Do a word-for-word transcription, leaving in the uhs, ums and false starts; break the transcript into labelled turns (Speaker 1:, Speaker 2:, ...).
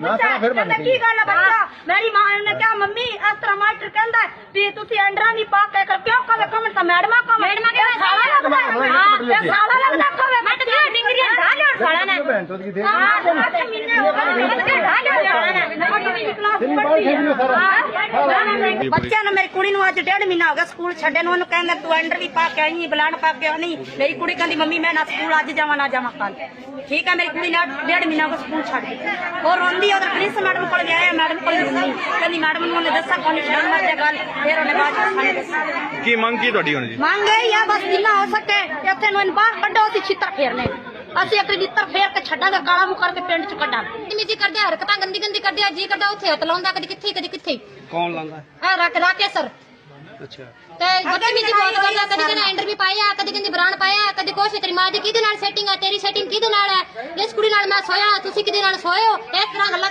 Speaker 1: ਪੁੱਛਿਆ ਕਹਿੰਦਾ ਕੀ ਗੱਲ ਹੈ ਬੱਚਾ ਮੇਰੀ ਮਾਂ ਨੇ ਕਿਹਾ ਮੰਮੀ ਇਸ ਤਰ੍ਹਾਂ ਮਾਸਟਰ ਕਹਿੰਦਾ ਵੀ ਤੁਸੀਂ ਐਂਡਰਾ ਨਹੀਂ ਪਾ ਕੇ ਕਿਉਂ ਕਵੇ ਕਮੈਂਟ ਤਾਂ ਮੈਡਮਾਂ ਕੋ ਮੈਡਮਾਂ ਕੇ ਸਾਲਾ ਲੱਗਦਾ ਹਾਂ ਤੇ ਸਾਲਾ ਲੱਗਦਾ ਕਵੇ ਮੈਂ ਤਾਂ ਡਿਗਰੀਆਂ ਢਾ ਲਿਆ ਸਾਲਾ ਨੇ ਹਾਂ ਅੱਠ ਮਹੀਨੇ ਹੋ ਗਏ ਮੈਂ ਤਾਂ ਢਾ ਲਿਆ ਸਾਲਾ ਨੇ ਕਲਾਸ ਪੜ੍ਹਦੀ ਹੈ ਬੱਚਿਆਂ ਨੂੰ ਮੇਰੀ ਕੁੜੀ ਨੂੰ ਅੱਜ ਡੇਢ ਮਹੀਨਾ ਹੋ ਗਿਆ ਸਕੂਲ ਛੱਡੇ ਨੂੰ ਉਹਨੂੰ ਕਹਿੰਦਾ ਤੂੰ ਐਂਡਰ ਵੀ ਪਾ ਕੇ ਆਈ ਬਲਾਨ ਪਾ ਕੇ ਆਉਣੀ ਮੇਰੀ ਕੁੜੀ ਕਹਿੰਦੀ ਮੰਮੀ ਮੈਂ ਨਾ ਸਕੂਲ ਅੱਜ ਜਾਵਾਂ ਨਾ ਜਾਵਾਂ ਕੱਲ ਠੀਕ ਹੈ ਮੇਰੀ ਕੁੜੀ ਨੇ ਡੇਢ ਮਹੀਨਾ ਕੋ ਸਕੂਲ ਛੱਡ ਦਿੱਤਾ और रोंदी उधर पुलिस मैडम को गया मैडम को कहती मैडम ने दसा कौन छड़ मर गल फिर उन्हें बाद
Speaker 2: की मंग की ਤੁਹਾਡੀ ਹੁਣ ਜੀ
Speaker 1: ਮੰਗ ਗਈ ਆ ਬਸ ਜਿੰਨਾ ਹੋ ਸਕੇ ਇੱਥੇ ਨੂੰ ਬਾਹਰ ਕੱਢੋ ਅਸੀਂ ਛਿੱਤਰ ਫੇਰਨੇ ਅਸੀਂ ਇੱਕ ਛਿੱਤਰ ਫੇਰ ਕੇ ਛੱਡਾਂਗੇ ਕਾਲਾ ਮੂੰਹ ਕਰਕੇ ਪਿੰਡ ਚ ਕੱਢਾਂਗੇ ਨਿੱਜੀ ਕਰਦੇ ਹਰਕਤਾਂ ਗੰਦੀ ਗੰਦੀ ਕਰਦੇ ਆ ਜੀ ਕਰਦਾ ਉੱਥੇ ਹੱਥ ਲਾਉਂਦਾ ਕਦੀ ਕਿੱਥੇ ਕਦੀ ਕਿੱਥੇ
Speaker 2: ਕੌਣ ਲਾਉਂਦਾ
Speaker 1: ਆ ਰੱਖ ਰਾਕੇ ਸਰ
Speaker 2: ਅੱਛਾ
Speaker 1: ਤੇ ਬਦਤਮੀਜ਼ੀ ਬਹੁਤ ਕਰਦਾ ਕਦੀ ਕਹਿੰਦਾ ਐਂਡਰ ਵੀ ਪਾਇਆ ਕਦੀ ਕਹਿੰਦੀ ਬਰਾਨ ਪਾਇਆ ਕਦੀ ਕੁਛ ਤੇਰੀ ਮਾਂ ਦੀ ਕਿਹਦੇ ਨਾਲ ਸੈਟਿੰਗ ਆ ਤੇਰੀ ਸੈਟਿੰਗ ਕਿਹਦੇ ਨਾਲ ਹੈ ਇਸ ਕੁੜੀ ਨਾਲ ਮੈਂ ਸੋਇਆ ਤੁਸੀਂ ਕਿਹਦੇ ਨਾਲ ਸੋਏ ਹੋ ਇਸ ਤਰ੍ਹਾਂ ਗੱਲਾਂ